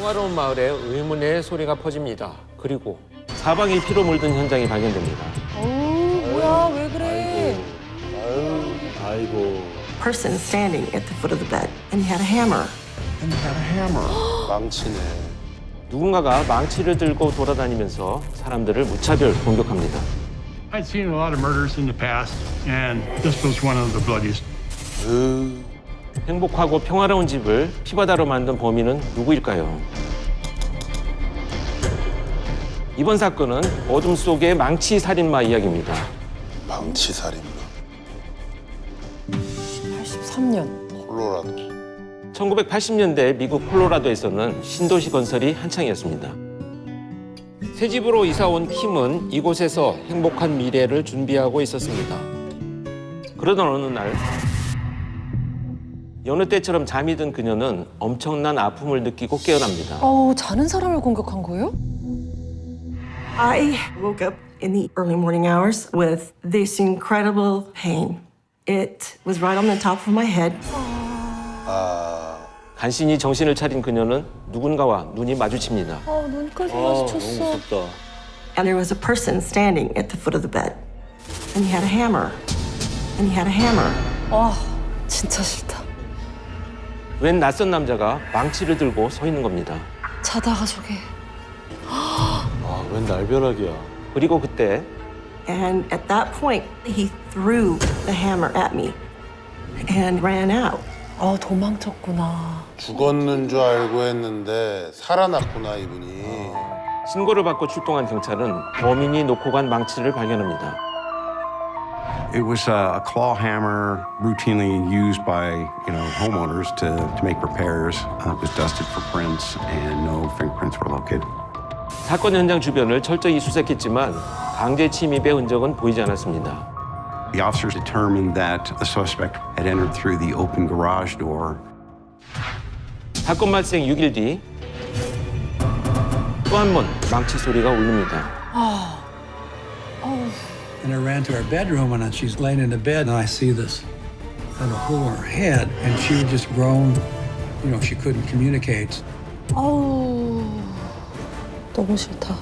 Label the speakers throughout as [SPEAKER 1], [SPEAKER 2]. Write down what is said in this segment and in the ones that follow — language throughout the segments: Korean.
[SPEAKER 1] 평화로운 마을에 의문의 소리가 퍼집니다. 그리고 사방이 피로 물든 현장이 발견됩니다.
[SPEAKER 2] 뭐야, 왜 그래?
[SPEAKER 3] 아이고.
[SPEAKER 4] Person standing at the foot of the bed, and he had a hammer.
[SPEAKER 5] 망치네.
[SPEAKER 1] 누군가가 망치를 들고 돌아다니면서 사람들을 무차별 공격합니다.
[SPEAKER 6] I'd seen a lot of murders in the past, and this was one of the bloodiest.
[SPEAKER 1] 행복하고 평화로운 집을 피바다로 만든 범인은 누구일까요? 이번 사건은 어둠 속의 망치 살인마 이야기입니다.
[SPEAKER 5] 망치 살인마.
[SPEAKER 2] 83년.
[SPEAKER 5] 콜로라도.
[SPEAKER 1] 1980년대 미국 콜로라도에서는 신도시 건설이 한창이었습니다. 새 집으로 이사 온 킴은 이곳에서 행복한 미래를 준비하고 있었습니다. 그러던 어느 날 여느 때처럼 잠이 든 그녀는 엄청난 아픔을 느끼고 깨어납니다.
[SPEAKER 2] 자는 사람을 공격한 거예요?
[SPEAKER 4] I woke up in the early morning hours with this incredible pain. It was right on the top of my head.
[SPEAKER 1] 간신히 정신을 차린 그녀는 누군가와 눈이 마주칩니다.
[SPEAKER 2] 눈까지
[SPEAKER 3] 너무
[SPEAKER 2] 마주쳤어.
[SPEAKER 3] 무섭다.
[SPEAKER 4] And there was a person standing at the foot of the bed. And he had a hammer. And he had a hammer.
[SPEAKER 2] 와, 진짜 싫다.
[SPEAKER 1] 웬 낯선 남자가 망치를 들고 서 있는 겁니다.
[SPEAKER 2] 자다가 저게.
[SPEAKER 3] 웬 날벼락이야.
[SPEAKER 1] 그리고 그때
[SPEAKER 4] And at that point, he threw the hammer at me and ran out.
[SPEAKER 2] 도망쳤구나.
[SPEAKER 5] 죽었는 줄 알고 했는데 살아났구나 이분이.
[SPEAKER 1] 신고를 받고 출동한 경찰은 범인이 놓고 간 망치를 발견합니다.
[SPEAKER 7] It was a claw hammer routinely used by, homeowners to make repairs. It was dusted for prints and no fingerprints were located.
[SPEAKER 1] 사건 현장 주변을 철저히 수색했지만 강제 침입의 흔적은 보이지 않았습니다.
[SPEAKER 7] The officers determined that the suspect had entered through the open garage door.
[SPEAKER 1] 사건 발생 6일 뒤 또 한 번 망치 소리가 울립니다.
[SPEAKER 8] And I ran to her bedroom, and she's laying in the bed, and I see this kind of hole in her head, and she would just groan. She couldn't communicate.
[SPEAKER 2] 너무 싫다.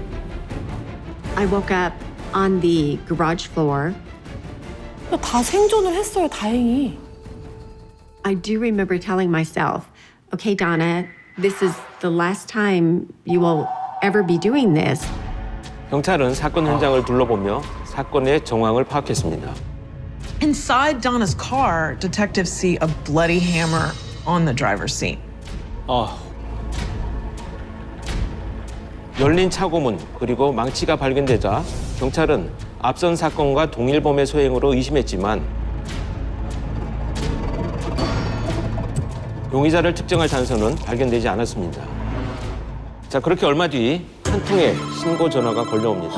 [SPEAKER 9] I woke up on the garage floor.
[SPEAKER 2] 다 생존을 했어요, 다행히.
[SPEAKER 9] I do remember telling myself, okay, Donna, this is the last time you will ever be doing this.
[SPEAKER 1] 경찰은 사건 현장을 둘러보며 사건의 정황을 파악했습니다.
[SPEAKER 10] Inside Donna's car, detectives see a bloody hammer on the driver's seat.
[SPEAKER 1] 열린 차고문 그리고 망치가 발견되자 경찰은 앞선 사건과 동일범의 소행으로 의심했지만 용의자를 특정할 단서는 발견되지 않았습니다. 자, 그렇게 얼마 뒤 한 통의 신고 전화가 걸려옵니다.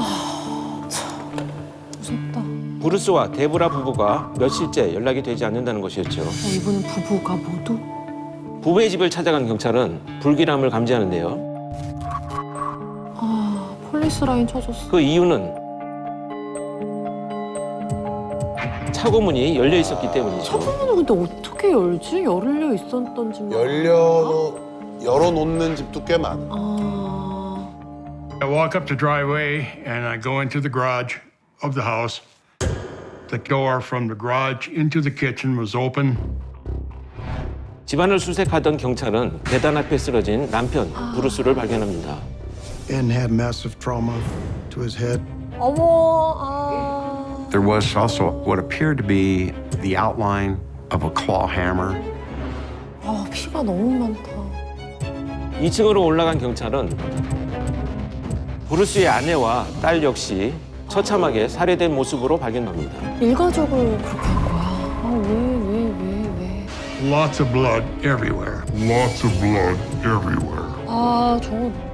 [SPEAKER 2] 무섭다.
[SPEAKER 1] 브루스와 데브라 부부가 며칠째 연락이 되지 않는다는 것이었죠.
[SPEAKER 2] 이분은 부부가 모두?
[SPEAKER 1] 부부의 집을 찾아간 경찰은 불길함을 감지하는데요.
[SPEAKER 2] 폴리스 라인 쳐줬어.
[SPEAKER 1] 그 이유는 차고문이 열려 있었기 때문이죠.
[SPEAKER 2] 차고문을 근데 어떻게 열지? 열려 있었던지.
[SPEAKER 5] 열어놓는 집도 꽤 많아.
[SPEAKER 6] I walk up the driveway, and I go into the garage of the house. The door from the garage into the kitchen was open.
[SPEAKER 1] 집안을 수색하던 경찰은 계단 앞에 쓰러진 남편 브루스를 발견합니다.
[SPEAKER 11] And had massive trauma to his head.
[SPEAKER 7] There was also what appeared to be the outline of a claw hammer.
[SPEAKER 2] 피가 너무 많다.
[SPEAKER 1] 2층으로 올라간 경찰은 브루스의 아내와 딸 역시 처참하게 살해된 모습으로 발견됩니다.
[SPEAKER 2] 일가족을 그렇게 한 거야. 왜?
[SPEAKER 6] Lots of blood everywhere. Lots of blood everywhere.
[SPEAKER 2] 저거